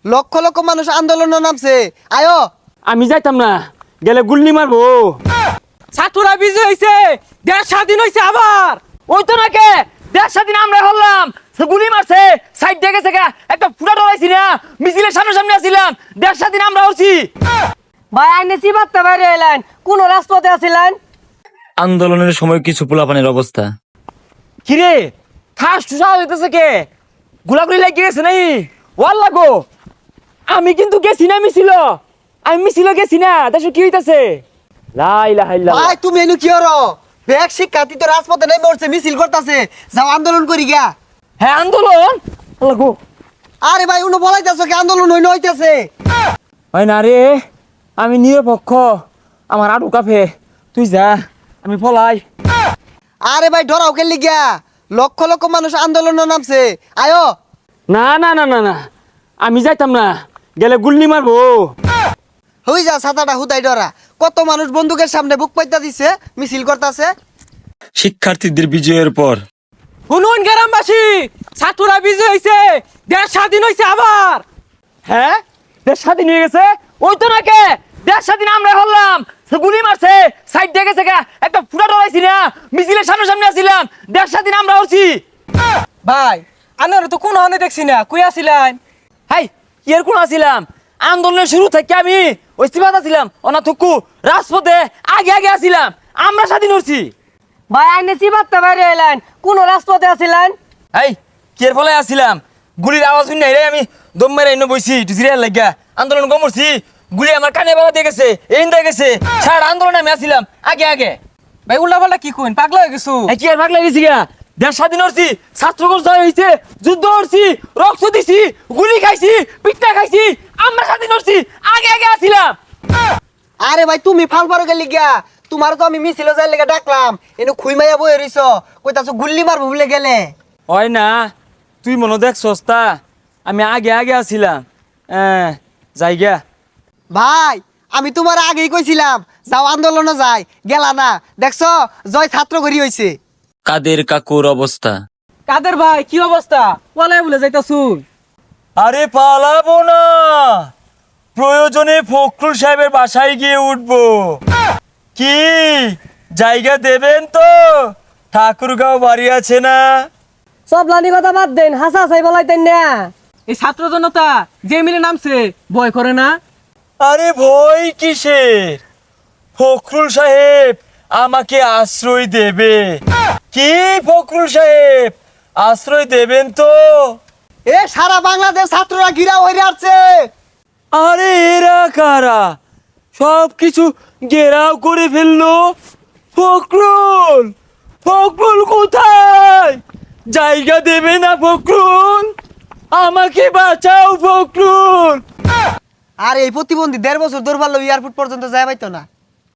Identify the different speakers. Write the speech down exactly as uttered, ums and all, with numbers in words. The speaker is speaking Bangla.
Speaker 1: লক্ষ লক্ষ মানুষ আন্দোলনে নামছে, আয়ো।
Speaker 2: আমি যাইতাম না, গেলে গুল্লি মারবো।
Speaker 3: ছাত্ররা বিজয় হয়েছে, দেশ স্বাধীন হয়েছে আবার।
Speaker 2: ওই তো নাকি দেড় স্বাধীন আমরা হলাম, গুলি মারছে সাইড দেখে থেকে একটা ফুটা ডরাইছি না, মিছিলের সামনে সামনে আসছিলাম, দেড় স্বাধীন আমরা হচ্ছি।
Speaker 3: ভাই আইনে চিবাতে বাইরে এলেন, কোন রাজপথে আছিলেন?
Speaker 4: আন্দোলনের সময় কিছু পোলাপানের অবস্থা।
Speaker 2: কিরে খাস টুসা হইতেছে কে? গুলাগুলি লাগি গেছে নাই? ওয়াল লাগো, আমি কিন্তু গেছি না মিছিল, আমি মিছিল গেছি না। দেখো কি হইতাছে। লা ইলাহা ইল্লাল্লাহ।
Speaker 1: ভাই তুমি এনু কি হরো? ব্যাগ শিক্ষার্থী তো রাজপথে নেমে উঠছে, মিছিল করতেছে, যাও আন্দোলন করি গিয়া।
Speaker 2: হ্যাঁ আন্দোলন লাগো।
Speaker 1: আরে ভাই উনো বলাইতেছো কি আন্দোলন হইন হইতেছে?
Speaker 2: হয় না রে, আমি নিরপেক্ষ, আমার আডু কাফে, তুই যা আমি পলাই।
Speaker 1: আরে ভাই ডরাও খেললি গিয়া, লক্ষ লক্ষ মানুষ আন্দোলনে নামছে, আয়ো।
Speaker 2: না না না না না, আমি যাইতাম না, গেলে গুল্লি মারবো।
Speaker 1: হই যা ছাতাটা হুদাই ডরা, কত মানুষ বন্দুকের সামনে বুক পাইতা দিছে, মিছিল করতেছে।
Speaker 4: শিক্ষার্থীদের বিজয়ের পর
Speaker 3: শুনুন গ্রামবাসী, ছাত্ররা বিজয় হয়েছে, দেশ স্বাধীন হয়েছে আবার।
Speaker 2: হ্যাঁ দেশ স্বাধীন হয়ে গেছে, ওই তো নাকি দেশ স্বাধীন আমরা হলাম, গুলি মারছে সাইড দেখে থেকে একটা ফুটা ডরাইছি না, মিছিলের সামনে সামনে আসছিলাম, দেশ স্বাধীন আমরা হচ্ছি।
Speaker 3: ভাই আনারা তো কোন হনে দেখছি না, কই আছিলেন?
Speaker 2: হাই কি এর কোন আসছিলাম, আন্দোলনের শুরু থেকে আমি ওই সিবাত আছিলাম, অনা থুকু রাজপথে আগে আগে আসছিলাম, আমরা স্বাধীন হচ্ছি।
Speaker 3: ভাই আইনে চিবাতে বাইরে এলেন, কোন রাজপথে আছিলেন?
Speaker 2: এই কি এর ফলে আসছিলাম, গুলির আওয়াজ শুনে রে আমি দম মেরে এনে বইছি, একটু জিরিয়ার লাগিয়া আন্দোলন কমরছি, গুলি আমার কানে বাবা দিয়ে গেছে, এই দিয়ে গেছে, সারা আন্দোলনে আমি আসছিলাম আগে আগে।
Speaker 3: ভাই উল্টা পাল্টা কি কইন, পাগলা হয়ে গেছো?
Speaker 2: এই কি আর ভাগ লাগিয়েছি গা, দেশ স্বাধীন হচ্ছি, ছাত্রগণ জয় হয়েছে, যুদ্ধ হচ্ছি, রক্ত দিছি, গুলি খাইছি, পিঠা খাইছি, আমরা স্বাধীন হচ্ছি, আগে আগে আসছিলাম।
Speaker 1: আরে ভাই তুমি ফাল পারো গেলি গিয়া, তোমার তো আমি মিছিল যাই লেগে ডাকলাম, এনু খুই মাইয়া বই রইছ, কইতাছো গুল্লি মারবো বলে গেলে।
Speaker 2: হয় না, তুই মনে দেখ সস্তা, আমি আগে আগে আসছিলাম, হ্যাঁ যাই গা।
Speaker 1: ভাই আমি তোমার আগেই কইছিলাম যাও আন্দোলনে যাই, গেলা না, দেখছো জয় ছাত্র করি হইছে।
Speaker 4: কাদের কাকুর অবস্থা।
Speaker 3: কাদের ভাই কি অবস্থা? ওয়ালাই বলে যাইতাছুন।
Speaker 2: আরে পালাবো না, প্রয়োজনে ফখরুল সাহেবের বাসায় গিয়ে উঠবো। কি জায়গা দেবেন তো? ঠাকুরগাঁও বাড়ি আছে না?
Speaker 3: সব লানি কথা বাদ দেন, হাসা হাসাই বলাইতেন না। এই ছাত্র জনতা যে মিলে নামছে, ভয় করে না?
Speaker 2: আরে ভয় কিসের, ফখরুল সাহেব আমাকে আশ্রয় দেবে। কি ফখরুল সাহেব আশ্রয় দেবেন তো?
Speaker 1: এ সারা বাংলাদেশ ছাত্ররা ঘিরা হয়ে আসছে।
Speaker 2: আরে এরা কারা, সব কিছু ঘেরাও করে ফেললো। ফখরুল, ফখরুল কোথায়? জায়গা দেবে না ফখরুল, আমাকে বাঁচাও ফখরুল।
Speaker 1: আর এই প্রতিবন্ধী দেড় বছর দৌড় পারলো এয়ারপোর্ট পর্যন্ত যায় পাইতো না।